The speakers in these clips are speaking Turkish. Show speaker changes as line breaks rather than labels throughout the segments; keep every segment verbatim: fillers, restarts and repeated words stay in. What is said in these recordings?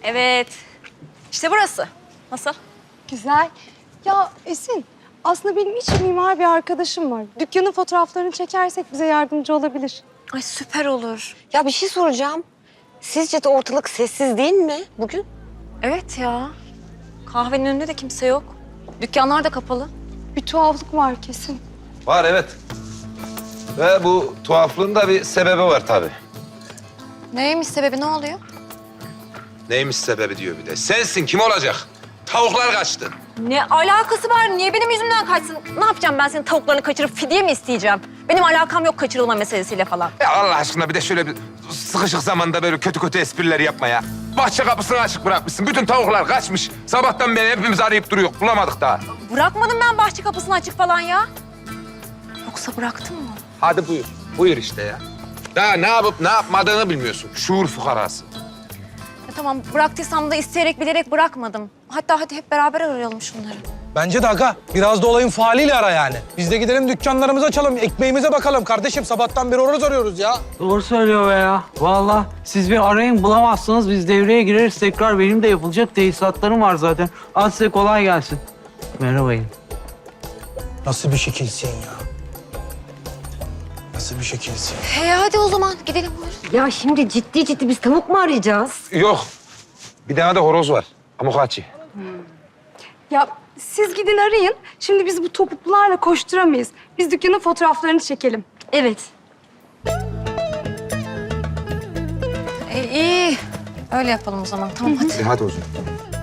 Evet. İşte burası. Nasıl?
Güzel. Ya Esin, aslında benim hiç mimar bir arkadaşım var. Dükkanın fotoğraflarını çekersek bize yardımcı olabilir.
Ay süper olur.
Ya bir şey soracağım. Sizce de ortalık sessiz değil mi bugün?
Evet ya. Kahvenin önünde de kimse yok. Dükkanlar da kapalı.
Bir tuhaflık var kesin.
Var evet. Ve bu tuhaflığın da bir sebebi var tabii.
Neymiş sebebi, ne oluyor?
Neymiş sebebi diyor bir de. Sensin, kim olacak? Tavuklar kaçtı.
Ne alakası var? Niye benim yüzümden kaçsın? Ne yapacağım ben senin tavuklarını kaçırıp fidye mi isteyeceğim? Benim alakam yok kaçırılma meselesiyle falan.
Ya Allah aşkına bir de şöyle bir sıkışık zamanda böyle kötü kötü espriler yapma ya. Bahçe kapısını açık bırakmışsın. Bütün tavuklar kaçmış. Sabahtan beri hepimiz arayıp duruyor. Bulamadık daha.
Bırakmadım ben bahçe kapısını açık falan ya. Yoksa bıraktın mı?
Hadi buyur. Buyur işte ya. Daha ne yapıp ne yapmadığını bilmiyorsun. Şuur fukarası.
Ya tamam, bıraktıysam da isteyerek bilerek bırakmadım. Hatta hadi hep beraber arayalım şunları.
Bence de aga. Biraz da olayın faaliyle ara yani. Biz de gidelim dükkanlarımızı açalım, ekmeğimize bakalım. Kardeşim sabahtan beri horoz arıyoruz ya.
Doğru söylüyor be ya. Vallahi siz bir arayın bulamazsınız. Biz devreye gireriz tekrar. Benim de yapılacak tesisatlarım var zaten. Hadi size kolay gelsin. Merhabayın.
Nasıl bir şekilsin ya? Nasıl bir şekilsin?
Hey hadi o zaman gidelim buyurun.
Ya şimdi ciddi ciddi biz tavuk mu arayacağız?
Yok. Bir tane de horoz var. Amokachi.
Ya siz gidin arayın. Şimdi biz bu topuklularla koşturamayız. Biz dükkanın fotoğraflarını çekelim.
Evet. E, iyi. Öyle yapalım o zaman. Tamam hadi.
E, hadi o zaman.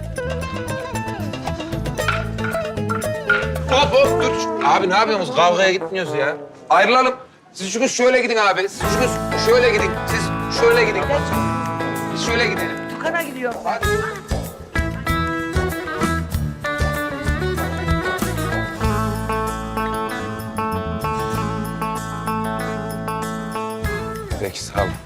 Hop hop dur. Abi ne yapıyorsunuz? Kavgaya gitmiyoruz ya. Ayrılalım. Siz çünkü şöyle gidin abi. Siz çünkü şöyle gidin. Siz şöyle gidin. Biz şöyle gidelim.
Dükkana gidiyorum.
Hadi. Peki sağ olun.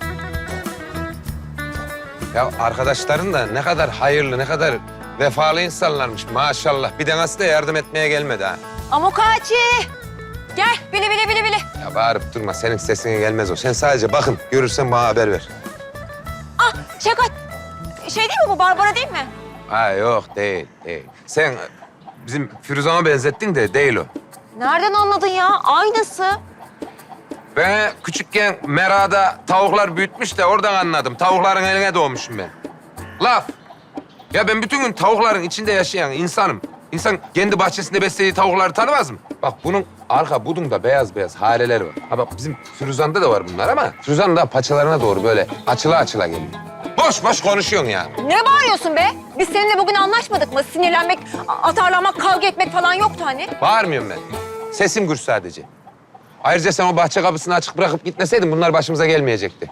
Ya arkadaşların da ne kadar hayırlı, ne kadar vefalı insanlarmış maşallah. Bir tanesi de yardım etmeye gelmedi ha.
Amokachi! Gel, bili bili bili bili.
Ya bağırıp durma, senin sesine gelmez o. Sen sadece bakın, görürsen bana haber ver.
Ah, Şevkat. Şey değil mi bu, Barbara değil mi?
Ha yok, değil, değil. Sen bizim Firuzan'a benzettin de değil o.
Nereden anladın ya? Aynısı.
Ben küçükken merada tavuklar büyütmüş de oradan anladım. Tavukların eline doğmuşum ben. Laf. Ya ben bütün gün tavukların içinde yaşayan insanım. İnsan kendi bahçesinde beslediği tavukları tanımaz mı? Bak bunun arka budunda beyaz beyaz hareleri var. Ha bak bizim Firuzan'da da var bunlar ama Firuzan da paçalarına doğru böyle açıla açıla geliyor. Boş boş konuşuyorsun ya.
Ne bağırıyorsun be? Biz seninle bugün anlaşmadık mı? Sinirlenmek, a- atarlanmak, kavga etmek falan yoktu hani.
Bağırmıyorum ben. Sesim gür sadece. Ayrıca sen o bahçe kapısını açık bırakıp gitmeseydin bunlar başımıza gelmeyecekti.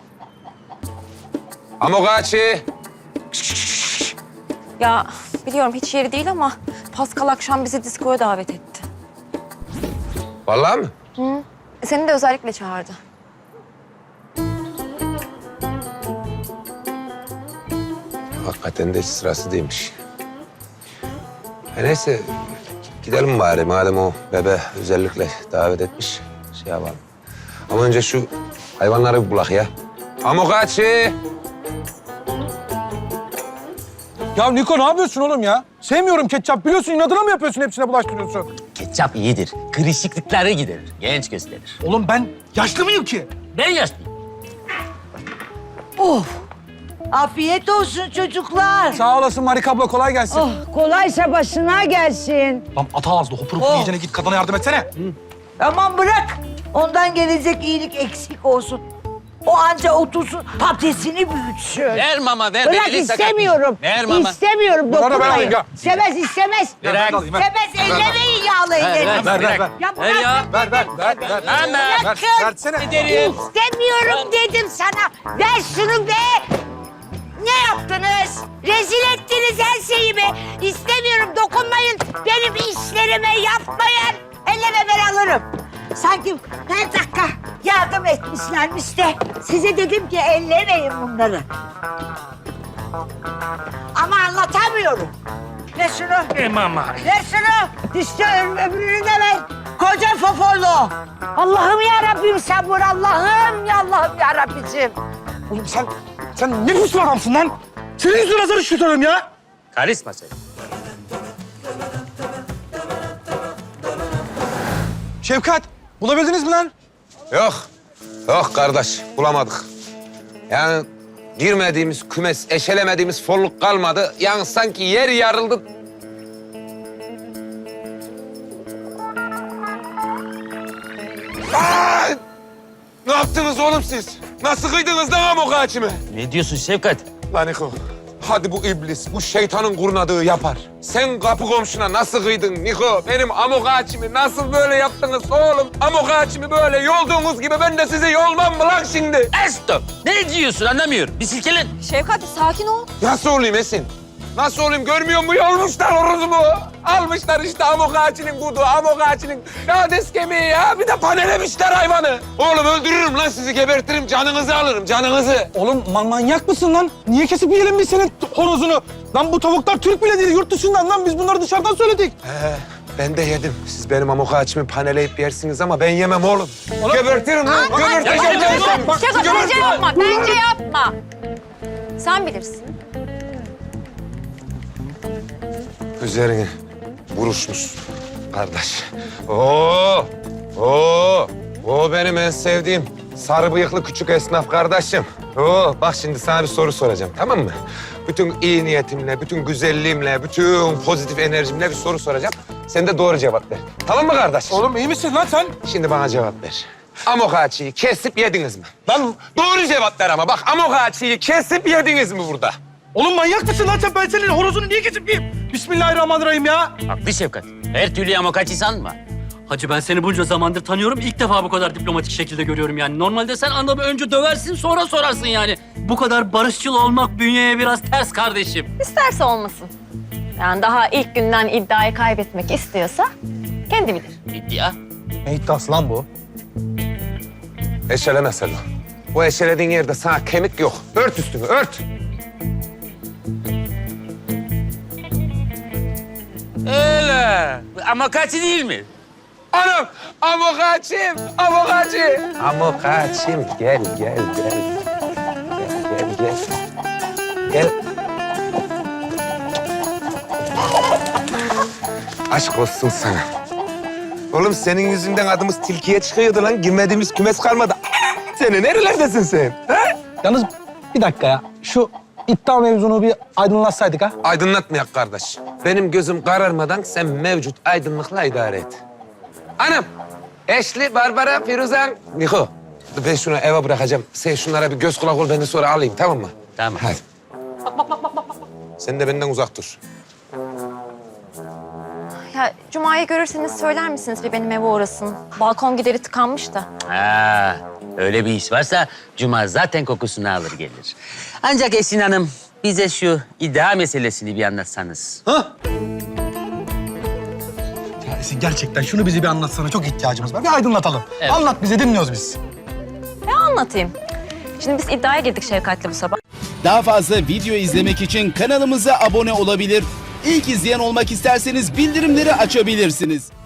Amokachi.
Ya biliyorum hiç yeri değil ama Pascal akşam bizi diskoya davet etti.
Vallahi mi?
Hı. Seni de özellikle çağırdı.
Hakikaten de hiç sırası değilmiş. E neyse gidelim bari madem o bebe özellikle davet etmiş. Şey yapalım. Ama önce şu hayvanları bir bulak ya. Amokachi.
Ya Niko ne yapıyorsun oğlum ya? Sevmiyorum ketçap biliyorsun. İnadına mı yapıyorsun, hepsine bulaştırıyorsun?
Ketçap iyidir. Kırışıklıkları giderir. Genç gösterir.
Oğlum ben yaşlı mıyım ki?
Ben yaşlıyım.
Afiyet olsun çocuklar.
Sağ olasın Marika abla, kolay gelsin.
Oh, kolaysa başına gelsin.
Lan ata ağızlı hopur hopur
Oh.
yiyeceğine git kadına yardım etsene.
Aman bırak. Ondan gelecek iyilik eksik olsun. O anca otursun, patatesini büyütsün.
Ver mama ver.
Bırak
Elini sakat-
istemiyorum.
Ver mama.
İstemiyorum,
Bunları ben
dokunmayın.
alayım ya.
İstemez, istemez.
Ver, ben alayım, ver.
İstemez, ellemeyin yağlı ellerini.
Ver, ver, ver.
Ya
Ver ya.
Ver, ver, ver, ver.
Hemen.
Ver, versene.
Giderim.
İstemiyorum dedim sana. Ver şunu be. Ne yaptınız? Rezil ettiniz her şeyi be. İstemiyorum, dokunmayın. Benim işlerime yapmayın. Elleme ben alırım. Sanki her dakika yardım etmişlermiş de size dedim ki ellemeyin bunları. Ama anlatamıyorum. Ver şunu.
E mama.
Ver şunu. Düştü öbürünü de ver. Koca foforlu. Allah'ım ya Rabbim sabır. Allah'ım ya Allah'ım ya Rabbicim.
Oğlum sen, sen ne biçim adamsın lan? Senin yüzünden azar işletiyorum ya.
Karisma sen.
Şefkat, bulabildiniz mi lan?
Yok. Yok kardeş, bulamadık. Yani girmediğimiz kümes, eşelemediğimiz folluk kalmadı. Yani sanki yer yarıldı. Aa! Ne yaptınız oğlum siz? Nasıl kıydınız lan amok ağaçımı?
Ne diyorsun Şefkat?
Lan Niko, hadi bu iblis, bu şeytanın kurnadığı yapar. Sen kapı komşuna nasıl kıydın Niko? Benim amok ağaçımı nasıl böyle yaptınız oğlum? Amok ağaçımı böyle yolduğunuz gibi ben de sizi yolmam mı lan şimdi?
Stop. Ne diyorsun anlamıyorum. Bir silkelen.
Şevkat sakin ol.
Nasıl olayım Esin? Nasıl olayım görmüyor musun? Yolmuşlar horozumu. Almışlar işte amok ağaçının kudu, amok ağaçının lades kemiği ya. Bir de panelemişler hayvanı. Oğlum öldürürüm lan sizi, gebertirim. Canınızı alırım, canınızı.
Oğlum man manyak mısın lan? Niye kesip yiyelim biz senin horozunu? Lan bu tavuklar Türk bile değil, yurt dışından lan. Biz bunları dışarıdan söyledik.
He, ben de yedim. Siz benim amok ağaçımı paneleyip yersiniz ama ben yemem oğlum. Gebertirim lan, gebertirim.
Şevkat bence yapma, bence yapma. Sen bilirsin.
Üzerine vuruşmuş kardeş. Oo, oo, o benim en sevdiğim sarı bıyıklı küçük esnaf kardeşim. Oo, bak şimdi sana bir soru soracağım, tamam mı? Bütün iyi niyetimle, bütün güzelliğimle, bütün pozitif enerjimle bir soru soracağım. Sen de doğru cevap ver. Tamam mı kardeş?
Oğlum iyi misin lan sen?
Şimdi bana cevap ver. Amok ağaçıyı kesip yediniz mi? Lan doğru cevap ver ama bak, amok ağaçıyı kesip yediniz mi burada?
Oğlum manyak mısın lan sen? Ben senin horozunu niye kesip yiyeyim? Bismillahirrahmanirrahim ya.
Haklı Şefkat. Her türlü amokacı sanma.
Hacı ben seni bunca zamandır tanıyorum. İlk defa bu kadar diplomatik şekilde görüyorum yani. Normalde sen adamı önce döversin sonra sorarsın yani. Bu kadar barışçıl olmak bünyeye biraz ters kardeşim.
İsterse olmasın. Yani daha ilk günden iddiayı kaybetmek istiyorsa kendi bilir.
İddia.
Ne iddiası lan bu?
Eşeleme Selo. Bu eşelediğin yerde sana kemik yok. Ört üstünü, ört.
Öyle. Amokacı değil mi?
Anam, amok ağaçım, amok ağacı. Amok ağaçım, gel, gel, gel. Gel, gel, gel. Gel. Aşk olsun sana. Oğlum senin yüzünden adımız tilkiye çıkıyordu lan. Girmediğimiz kümes kalmadı. Seni nerelerdesin sen? Ha?
Yalnız bir dakika ya. Şu iddia mevzunu bir aydınlatsaydık ha.
Aydınlatmayak kardeş. Benim gözüm kararmadan sen mevcut aydınlıkla idare et. Anam, Eşli, Barbara, Firuzan, Niko. Ben şunu eve bırakacağım. Sen şunlara bir göz kulak ol, ben de sonra alayım, tamam mı?
Tamam.
Hadi. Sen de benden uzak dur.
Ya Cuma'yı görürseniz söyler misiniz bir benim eve uğrasın? Balkon gideri tıkanmış da.
Ha, öyle bir iş varsa Cuma zaten kokusunu alır gelir. Ancak Esin Hanım bize şu iddia meselesini bir anlatsanız.
Ya Esin gerçekten şunu bize bir anlatsana. Çok ihtiyacımız var. Bir aydınlatalım.
Evet.
Anlat bize, dinliyoruz biz.
Ne anlatayım? Şimdi biz iddiaya girdik Şevkat'le bu sabah.
Daha fazla video izlemek için kanalımıza abone olabilir. İlk izleyen olmak isterseniz bildirimleri açabilirsiniz.